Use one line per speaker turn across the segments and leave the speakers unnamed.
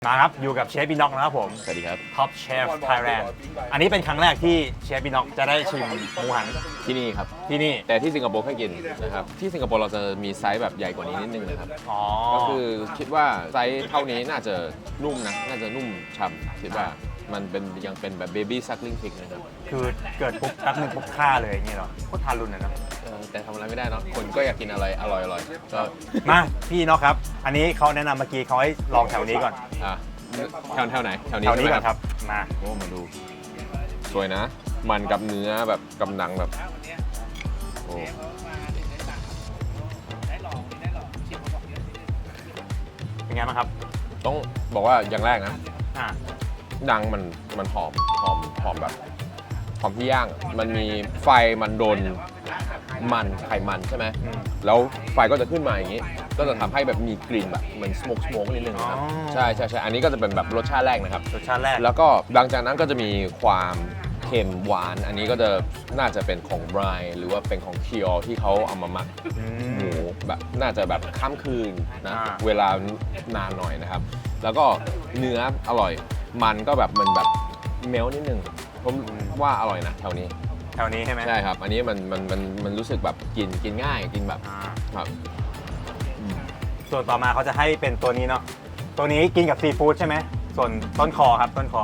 มาครับอยู่กับเชฟบีน็อกนะครับผม
สวัสดีครับ
ท็อปเชฟไทยแลนด์อันนี้เป็นครั้งแรกที่เชฟบีน็อกจะได้ชิมหมูหัน
ที่นี่ครับ
ที่นี่
แต่ที่สิงคโปร์แค่กินนะครับที่สิงคโปร์เราจะมีไซส์แบบใหญ่กว่านี้นิดนึงนะครับ
อ๋อ
ก็คือคิดว่าไซส์เท่านี้น่าจะนุ่มนะน่าจะนุ่มฉ่ำคิดว่ามันเป็นยังเป็นแบบเบบี้ซักลิงพิกนะครับ
คือเกิดปุ๊บแป๊บหนึงปุ๊บฆ่าเลยอย่างนี้เหรอโคตรทารุณนะเนอะ
แต่ทำอะไรไม่ได้เนาะคนก็อยากกินอะไรอร่อยๆก็
มาพี่น็อกครับ อันนี้เขาแนะนำเมื่อกี้เขาให้ลองแถวนี้ก่อน
อ่ะแถวไหนแถวนี้
แถวนี้
ใช่ไหม
ก่อนครับมา
โอ้มาดูสวยนะ มันกับเนื้อแบบกำลังแบบโอ้
เป็นไงบ้างครับ
ต้องบอกว่าอย่างแรกนะ
อ่า
ดังมันหอมแบบหอมที่ย่าง มันมีไฟมันโดนมันไขมันใช่ไหม แล้วไฟก็จะขึ้นมาอย่างนี้ ก็จะทำให้แบบมีกลิ่นแบบเหมือนสโมกนิดนึงนะครับ ใช่อันนี้ก็จะเป็นแบบรสชาติแรกนะครับ
รสชาติแรก
แล้วก็หลังจากนั้นก็จะมีความเค็มหวาน อันนี้ก็จะน่าจะเป็นของไบรท์หรือว่าเป็นของเคียวที่เขาเอามาหมัก หมูแบบน่าจะแบบข้ามคืนนะ เวลานานหน่อยนะครับ แล้วก็เนื้ออร่อยมันก็แบบมันแบบเมลนิดนึงผมว่าอร่อยนะแถวนี้
แถวนี้ใช่ไหม
ใช่ครับ อันนี้มันรู้สึกแบบกินง่ายกินแบบ
อ่า
ครับ
ส่วนต่อมาเขาจะให้เป็นตัวนี้เนาะตัวนี้กินกับซีฟู้ดใช่ไหมส่วนต้นคอครับต้นคอ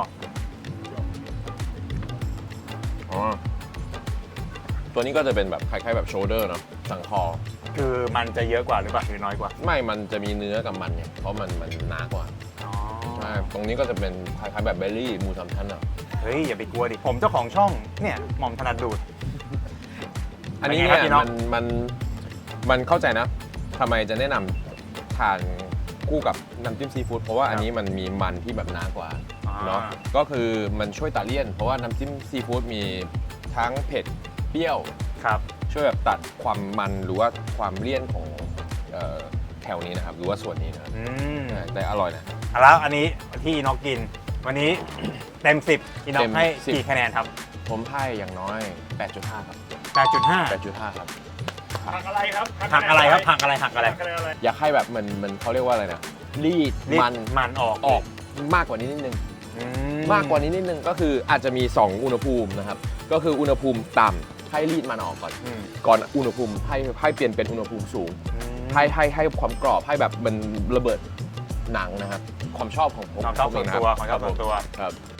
อ๋อตัวนี้ก็จะเป็นแบบคล้ายๆแบบโชเดอร์เนาะสันคอ
คือมันจะเยอะกว่าหรือเปล่าหรือน้อยกว่า
ไม่มันจะมีเนื้อกับมันเนี่ยเพราะมันหนากว่า
อ๋อ
ใช่ตรงนี้ก็จะเป็นคล้ายๆแบบเบลลี่หมูสามชั้นอ่ะ
เฮ้ยอย่าไปกลัวดิผมเจ้าของช่องเนี่ยหม่อมถนัดดูด
อันนี้
เป็นไงครับพี่
เนี่ย
น้อง
มันเข้าใจนะทำไมจะแนะนำทานคู่กับน้ำจิ้มซีฟู้ดเพราะว่าอันนี้มันมีมันที่แบบหนากว่าเนาะก็คือมันช่วยตัดเลี่ยน เพราะว่าน้ำจิ้มซีฟู้ดมีทั้งเผ็ดเปรี้ยว
ครับ
ช่วยแบบตัดความมันหรือว่าความเลี่ยนของแถวนี้นะครับหรือว่าส่วนนี้นะครับ
อืม
ใช่แต่อร่อยนะ
แล้วอันนี้ที่อีน็อกกิน วันนี้เต็ม 10อีน็อกให้
เต็ม10
กี่คะแนนครับ
ผมให้อย่างน้อย 8.5 ครับ
8.5
8.5 ครับ
ผักอะไรครับ
หักอะไรครับหักอะไรหักอะไร
อะไร
อยากให้แบบมันเขาเรียกว่าอะไรนะรีด
รีด
มัน
ออก
ออกมากกว่านี้นิดนึง
อื
มากกว่านี้นิดนึงก็คืออาจจะมี 2 อุณหภูมินะครับ ก็คืออุณหภูมิต่ำให้รีดมันออกก่อน
อืม
ก่อนอุณหภูมิให้เปลี่ยนเป็นอุณหภูมิสูง
อืม
ให้ความกรอบให้แบบมันระเบิดหนังนะครับ ความชอบของผม
ความชอบส่วนตัว
เง
ความชอบส่วนตัว
ครับ